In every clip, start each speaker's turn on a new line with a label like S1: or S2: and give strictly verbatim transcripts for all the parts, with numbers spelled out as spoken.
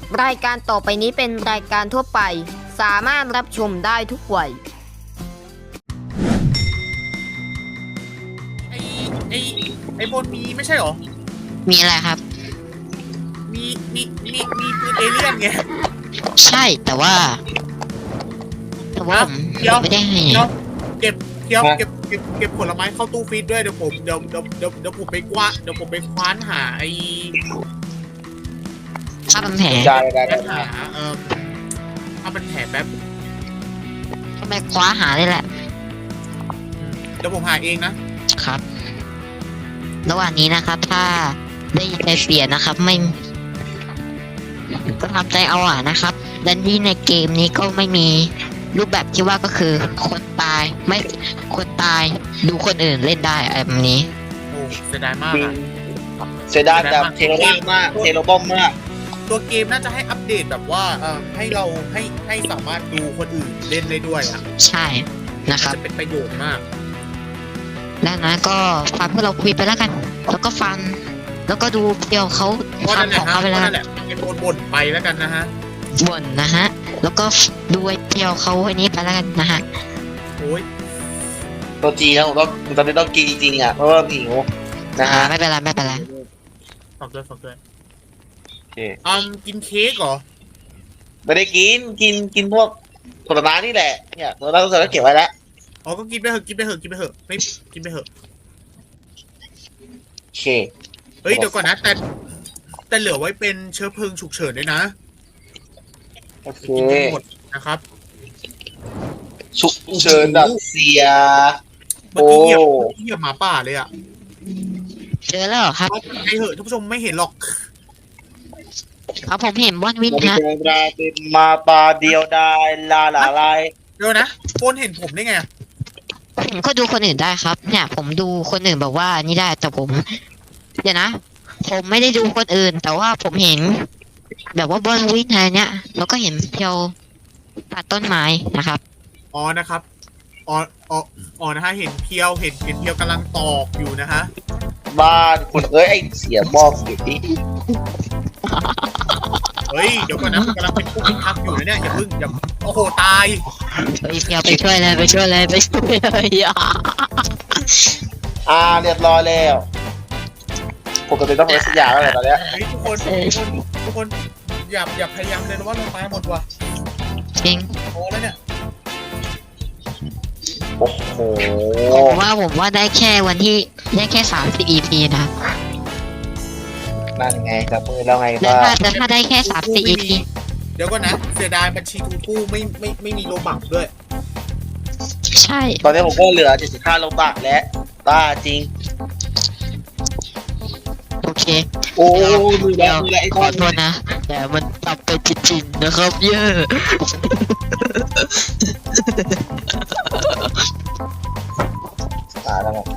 S1: รายการต่อไปนี้เป็นรายการทั่วไปสามารถรับชมได้ทุกวัย
S2: ไอไอไอบนมีไม่ใช่หรอ
S3: มีอะไรครับ
S2: มีมีมีมีปืนเอเลี่ยนไง
S3: ใช่แต่ว่าแต่ว่าผมไม่ได้ให้
S2: เก็บเก็บเก็บเก็บเก็บผลไม้เข้าตู้ฟรีซด้วยเดี๋ยวผมเดี๋ยวเดี๋ยวเดี๋ยวเดี๋ยวผมไปกว้าเดี๋ยวผมไปคว้านหาไอ
S3: ถ้ามันแผล
S2: ได้ได้ได้หาเออถ้ามันแผลแป๊บ
S3: ก็ไปคว้าหาได้แหละ
S2: เดี๋ยวผมหาเองนะครับ
S3: ระหว่างนี้นะครับถ้าได้ยินใจเสียนะครับไม่ก็ทำใจเอาอ่ะนะครับดันนี่ในเกมนี้ก็ไม่มีรูปแบบที่ว่าก็คือคนตายไม่คนตายดูคนอื่นเล่นได้แบบนี้
S2: โอ้เสียดายมากอ่ะ
S4: เสียดายแบบเทโลบ้มมากเทโลบ้มมาก
S2: ตัวเกมน่าจะให้อัปเดตแบบว่าเอ่อให้เราให้ให้สามารถดูคนอื่นเล่นได้ด้วยอ่ะ
S3: ใช่นะครับ
S2: จะเป็นประโยชน์มาก
S3: แล้วนะก็ฟังพวกเราคุยไปแล้วกันแล้วก็ฟังแล้วก็ดูเดี๋ยวเขาทำของเขาไปแล้ว
S2: นั่นแหละไอ้บ่นบ่นไปแล้วกันนะฮะ
S3: บ่นนะฮะแล้วก็ดูไอ้เดียวเขาไอ้นี้ไปแล้วกันนะฮะ
S2: โอ้ย
S4: ตัวจีนะผมต้องตอนนี้ต้องกินจริงๆอ่ะเพราะว่าหิวนะฮะ
S3: ไม่เป็นไรไม่เป็นไร
S2: ฝากด้วยฝากด้วยโอเคอืมกินเค้กเหรอ
S4: ไม่ได้กินกินกินพวกผลไม้นี่แหละเนี่ยผลไม้ต้องใส่แล้วเก็บไว้แล้ว
S2: อ๋อก็กินไปเถอะกินไปเถอะกินไปเถอะไม่กินไปเถอะ
S4: โอเค
S2: เฮ้ยเดี๋ยวก่อนนะแต่แต่เหลือไว้เป็นเชื้อเพลิงฉุกเฉินด้วยนะ
S4: โอเค
S2: กินไม่หมดนะครับ
S4: ฉุกเฉินดับเสีย
S2: เมื่อกี้เหยียบเหยียบหมาป่าเลยอ่ะ
S3: เจอแล้วครับ
S2: ไอเหอะท่านผู้ชมไม่เห็นหรอก
S3: ครับผมเห็นวันวินฮะ
S4: เป็นมาปาเดียวได้ลาลาลาย
S2: เดี๋ยวนะโฟนเห็นผมได้ไง
S3: ผมก็ดูคนอื่นได้ครับเนี่ยผมดูคนอื่นแบบว่านี่ได้แต่ผมเดี๋ยวนะผมไม่ได้ดูคนอื่นแต่ว่าผมเห็นแบบว่าบนวินอะไรเนี้ยแล้วก็เห็นเพียวตัดต้นไม้นะครับ
S2: อ๋อนะครับอ๋ออ๋ออ๋อนะฮะเห็นเพียวเห็นเห็นเพียวกำลังตอกอยู่นะฮะ
S4: บ้านคุณเอ้ยไอเสียบอกเสียดิ
S2: เฮ้ยเดี๋ยวก่อนนะกำลังเป็นผู้พิทักษ์อยู่นะเนี่ยอย่าพึ่งอย่าโอ้โหตาย
S3: เฮ้ยเพียวไปช่วยเลยไปช่วยเลยไปช่วยเลย
S4: อ่าเรียบร้อยแล้วปกติต้องเป็นสัญญาแล้วตอนนี้
S2: ทุกคนทุกคนทุกคนอย่าอย่าพยายามเลยนะว่าเราตายหมดว่ะ
S3: จริง
S2: โอ้แล้วเนี่ย
S4: โอ้โห
S3: ผมว่าผมว่าได้แค่วันที่ได้แค่สามสิบ อี พี นะ
S4: นั่นไงกับมือแล้วไง
S3: ก็แต่ถ้าได้แค่สามสิบ อี พี
S2: เดี๋ยวก่อนนะเสียดายบัญชีทูกู้ไม่ไม่ไม่มีโลบักด้วย
S3: ใช่
S4: ตอนนี้ผมก็เหลือเจ็ดสิบห้าโลบักแล้วบ้าจริง
S3: โอเค
S4: โอ้ดูแลดูแลไอ้
S3: ขอโทษนะแต่มันตับไปจริงๆนะครับเยอะ
S4: มาแล้วครับ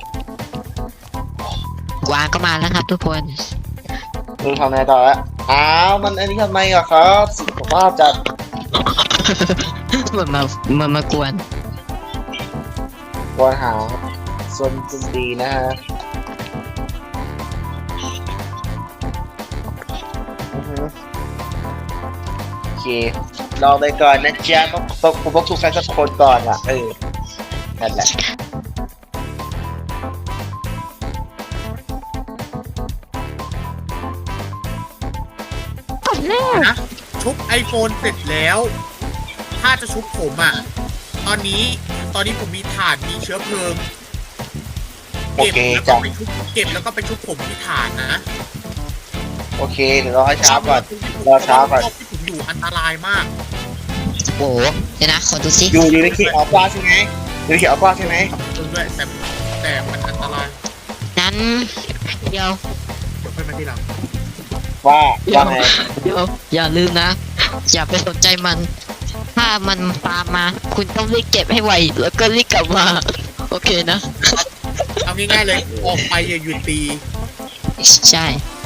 S3: กวางก็มาแล้วครับทุกคน
S4: ดูทำไงต่อละอ้าวมันอันนี้ทำไมอะครับสุขภาพจัด
S3: มันมามันมากวน
S4: กวนหาส่วนจดีนะฮะโอเคลองไปก่อนนะจ๊ะต้องต้องผมต้องถูกแฟนสักคนก่อนอ่ะเออนั่นแหละ
S2: นะชุบไอโฟนเสร็จแล้วถ้าจะชุบผมอ่ะตอนนี้ตอนนี้ผมมีถ่านมีเชื้อเพลิงเก็บแล้วก็ไปชุบเก็บแล้วก็ไปชุบผมที่ถ่านนะ
S4: โอเคเดี๋ยวรอให้ช้าก่อนรอช้าก่อน
S2: ที่ผมอยู่อันตรายมาก
S3: โอ้เดี๋ยวนะขอดูซิ
S4: อยู่อยู่ในเขตอัลฟาใช่ไหมอยู่ในเขตอัลฟาใช่ไหม
S2: ด้วยแต่แต่มันอันตราย
S3: นั้นเดี๋ยว
S2: เดี๋ยวค่อยมาที่หลัง
S4: ว่าว่าไง
S3: เดี๋ยวอย่าลืมนะอย่าไปสนใจมันถ้ามันตามมาคุณต้องรีบเก็บให้ไวแล้วก็รีบกลับมาโอเคนะ
S2: เอาง่ายๆเลยออกไปอย่าหยุดตี
S3: ใช่